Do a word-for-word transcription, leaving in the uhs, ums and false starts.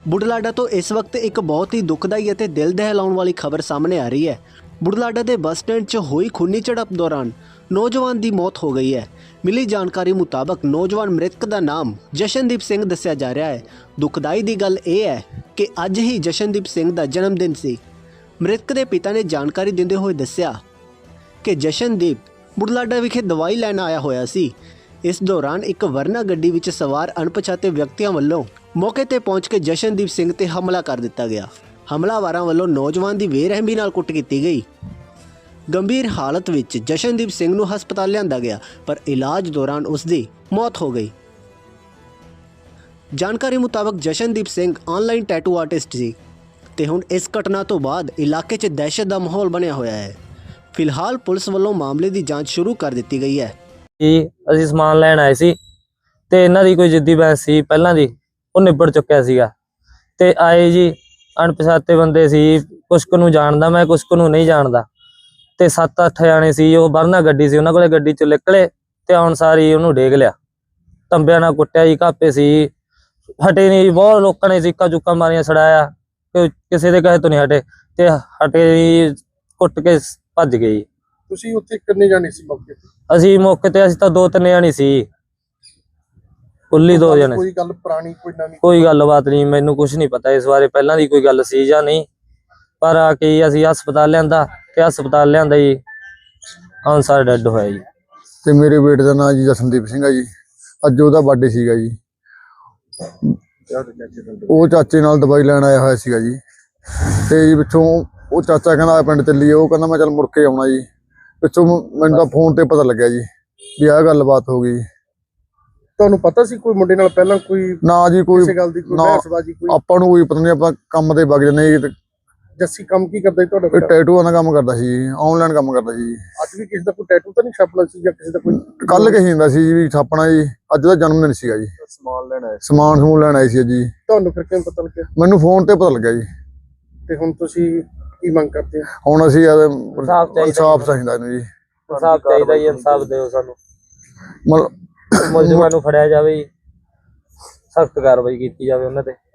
ਬੁਢਲਾਡਾ ਤੋਂ ਇਸ ਵਕਤ ਇੱਕ ਬਹੁਤ ਹੀ ਦੁਖਦਾਈ ਅਤੇ ਦਿਲ ਦਹਿਲਾਉਣ ਵਾਲੀ ਖਬਰ ਸਾਹਮਣੇ ਆ ਰਹੀ ਹੈ। ਬੁਢਲਾਡਾ ਦੇ ਬੱਸ ਸਟੈਂਡ 'ਚ ਹੋਈ ਖੂਨੀ ਝੜਪ ਦੌਰਾਨ ਨੌਜਵਾਨ ਦੀ ਮੌਤ ਹੋ ਗਈ ਹੈ। ਮਿਲੀ ਜਾਣਕਾਰੀ ਮੁਤਾਬਕ ਨੌਜਵਾਨ ਮ੍ਰਿਤਕ ਦਾ ਨਾਮ ਜਸ਼ਨਦੀਪ ਸਿੰਘ ਦੱਸਿਆ ਜਾ ਰਿਹਾ ਹੈ। ਦੁਖਦਾਈ ਦੀ ਗੱਲ ਇਹ ਹੈ ਕਿ ਅੱਜ ਹੀ ਜਸ਼ਨਦੀਪ ਸਿੰਘ ਦਾ ਜਨਮ ਦਿਨ ਸੀ। ਮ੍ਰਿਤਕ ਦੇ ਪਿਤਾ ਨੇ ਜਾਣਕਾਰੀ ਦਿੰਦੇ ਹੋਏ ਦੱਸਿਆ ਕਿ ਜਸ਼ਨਦੀਪ ਬੁਢਲਾਡਾ ਵਿਖੇ ਦਵਾਈ ਲੈਣ ਆਇਆ ਹੋਇਆ ਸੀ। ਇਸ ਦੌਰਾਨ ਇੱਕ ਵਰਨਾ ਗੱਡੀ ਵਿੱਚ ਸਵਾਰ ਅਣਪਛਾਤੇ ਵਿਅਕਤੀਆਂ ਵੱਲੋਂ ਮੌਕੇ ਤੇ ਪਹੁੰਚ ਕੇ ਜਸ਼ਨਦੀਪ ਸਿੰਘ ਤੇ ਹਮਲਾ ਕਰ ਦਿੱਤਾ ਗਿਆ। ਹਮਲਾਵਰਾਂ ਵੱਲੋਂ ਨੌਜਵਾਨ ਦੀ ਬੇਰਹਿਮੀ ਨਾਲ ਕੁੱਟ ਕੀਤੀ ਗਈ। ਗੰਭੀਰ ਹਾਲਤ ਵਿੱਚ ਜਸ਼ਨਦੀਪ ਸਿੰਘ ਨੂੰ ਹਸਪਤਾਲ ਲਿਆਂਦਾ ਗਿਆ, ਪਰ ਇਲਾਜ ਦੌਰਾਨ ਉਸ ਦੀ ਮੌਤ ਹੋ ਗਈ। ਜਾਣਕਾਰੀ ਮੁਤਾਬਕ Jashandeep Singh online tattoo artist ਸੀ ਤੇ ਹੁਣ ਇਸ ਘਟਨਾ ਤੋਂ ਬਾਅਦ ਇਲਾਕੇ 'ਚ ਦਹਿਸ਼ਤ ਦਾ ਮਾਹੌਲ ਬਣਿਆ ਹੋਇਆ ਹੈ। ਫਿਲਹਾਲ ਪੁਲਿਸ ਵੱਲੋਂ ਮਾਮਲੇ ਦੀ ਜਾਂਚ ਸ਼ੁਰੂ ਕਰ ਦਿੱਤੀ ਗਈ ਹੈ। ਜੀ ਅਸੀਂ ਸਮਾਨ ਲੈਣ ਆਏ ਸੀ ਤੇ ਇਹਨਾਂ ਦੀ ਕੋਈ ਜਿੱਦੀ ਬਹਿਸ ਸੀ ਪਹਿਲਾਂ ਦੀ, ਉਹ ਨਿਬੜ ਚੁੱਕਿਆ ਸੀਗਾ ਤੇ ਆਏ ਜੀ ਅਣਪਛਾਤੇ ਬੰਦੇ ਸੀ। ਕੁਛ ਕੁ ਨੂੰ ਜਾਣਦਾ ਮੈਂ, ਕੁਛ ਕੁ ਨੂੰ ਨਹੀਂ ਜਾਣਦਾ ਤੇ ਸੱਤ ਅੱਠ ਜਾਣੇ ਸੀ। ਉਹ ਵਰਨਾ ਗੱਡੀ ਸੀ, ਉਹਨਾਂ ਕੋਲੇ ਗੱਡੀ ਚੋਂ ਨਿਕਲੇ ਤੇ ਆਉਣ ਸਾਰੀ ਉਹਨੂੰ ਡੇਗ ਲਿਆ, ਤੰਬਿਆਂ ਨਾਲ ਕੁੱਟਿਆ ਜੀ। ਘਾਪੇ ਸੀ, ਹਟੇ ਨਹੀਂ। ਬਹੁਤ ਲੋਕਾਂ ਨੇ ਚੀਕਾਂ ਚੁੱਕਾਂ ਮਾਰੀਆਂ, ਛੜਾਇਆ, ਕਿਸੇ ਦੇ ਕਹੇ ਤੋਂ ਨਹੀਂ ਹਟੇ ਤੇ ਹਟੇ ਜੀ, ਕੁੱਟ ਕੇ ਭੱਜ ਗਏ ਜੀ। ਤੁਸੀਂ ਉੱਥੇ ਕਿੰਨੇ ਜਾਣੇ ਸੀ ਮੌਕੇ ਤੇ? ਅਸੀਂ ਮੌਕੇ ਤੇ ਅਸੀਂ ਤਾਂ ਦੋ ਤਿੰਨ ਜਾਣੇ ਸੀ, ਕੁੱਲੀ ਦੋ ਜਣੇ। ਕੋਈ ਗੱਲ ਪੁਰਾਣੀ ਕੋਈ ਨਵੀਂ? ਕੋਈ ਗੱਲਬਾਤ ਨਹੀਂ, ਮੈਨੂੰ ਕੁਝ ਨਹੀਂ ਪਤਾ ਇਸ ਬਾਰੇ, ਪਹਿਲਾਂ ਦੀ ਕੋਈ ਗੱਲ ਸੀ ਜਾਂ ਨਹੀਂ। ਪਰ ਆ ਕੇ ਅਸੀਂ ਹਸਪਤਾਲ ਲਿਆਂਦਾ ਤੇ ਹਸਪਤਾਲ ਲਿਆਂਦਾ ਜੀ ਅਨਸਾਰ ਡੈਡ ਹੋਇਆ ਜੀ। ਤੇ ਮੇਰੇ ਬੇਟੇ ਦਾ ਨਾਮ ਜੀ ਜਸ਼ਨਦੀਪ ਸਿੰਘ ਆ ਜੀ। ਅੱਜ ਉਹਦਾ ਬਰਥਡੇ ਸੀਗਾ ਜੀ। ਉਹ ਚਾਚੇ ਨਾਲ ਦਵਾਈ ਲੈਣ ਆਇਆ ਹੋਇਆ ਸੀਗਾ ਜੀ ਤੇ ਜੀ ਪਿੱਛੋਂ ਉਹ ਚਾਚਾ ਕਹਿੰਦਾ ਪਿੰਡ ਚੱਲੀਏ। ਉਹ ਕਹਿੰਦਾ ਮੈਂ ਚੱਲ ਮੁੜ ਕੇ ਆਉਣਾ ਜੀ। ਪਿੱਛੋਂ ਮੈਨੂੰ ਤਾਂ ਫੋਨ ਤੇ ਪਤਾ ਲੱਗਿਆ ਜੀ ਵੀ ਆਹ ਗੱਲਬਾਤ ਹੋ ਗਈ। ਤੁਹਾਨੂੰ ਪਤਾ ਸੀ ਕੋਈ ਮੁੰਡੇ ਨਾਲ ਪਹਿਲਾਂ ਕੋਈ ਨਾ ਜੀ, ਕੋਈ ਕਿਸੇ ਗੱਲ ਦੀ ਕੋਈ ਬਹਿਸਬਾਜ਼ੀ? ਕੋਈ ਆਪਾਂ ਨੂੰ ਕੋਈ ਪਤਾ ਨਹੀਂ, ਆਪਾਂ ਕੰਮ ਤੇ ਵਗ ਜਾਂਦੇ ਜੀ। ਜੱਸੀ ਕੰਮ ਕੀ ਕਰਦਾ ਸੀ ਤੁਹਾਡਾ? ਕੋਈ ਟੈਟੂਆਂ ਦਾ ਕੰਮ ਕਰਦਾ ਸੀ, ਆਨਲਾਈਨ ਕੰਮ ਕਰਦਾ ਸੀ। ਅੱਜ ਵੀ ਕਿਸੇ ਦਾ ਕੋਈ ਟੈਟੂ ਤਾਂ ਨਹੀਂ ਛਾਪਣਾ ਸੀ ਜਾਂ ਕਿਸੇ ਦਾ ਕੋਈ? ਕੱਲ ਕਹੀ ਜਾਂਦਾ ਸੀ ਵੀ ਛਾਪਣਾ ਜੀ। ਅੱਜ ਦਾ ਜਨਮ ਦਿਨ ਸੀਗਾ ਜੀ। ਸਮਾਨ ਲੈਣ ਆਏ? ਸਮਾਨ ਸਮੂਨ ਲੈਣ ਆਏ ਸੀ ਜੀ। ਤੁਹਾਨੂੰ ਫਿਰ ਕਿਵੇਂ ਪਤਾ ਲੱਗਿਆ? ਮੈਨੂੰ ਫੋਨ ਤੇ ਪਤਾ ਲੱਗਿਆ ਜੀ। ਤੇ ਹੁਣ ਤੁਸੀਂ ਕੀ ਮੰਗ ਕਰਦੇ ਹੋ? ਹੁਣ ਅਸੀਂ ਇਨਸਾਫ਼ ਚਾਹੀਦਾ ਇਨਸਾਫ਼ ਚਾਹੀਦਾ ਇਹਨੂੰ ਜੀ। ਇਨਸਾਫ਼ ਚਾਹੀਦਾ ਜੀ, ਇਨਸਾਫ਼ ਦਿਓ ਸਾਨੂੰ। ਮਤਲਬ ਮੁਲਜ਼ਮਾਂ ਨੂੰ ਫੜਿਆ ਜਾਵੇ ਜੀ, ਸਖਤ ਕਾਰਵਾਈ ਕੀਤੀ ਜਾਵੇ ਉਹਨਾਂ ਤੇ।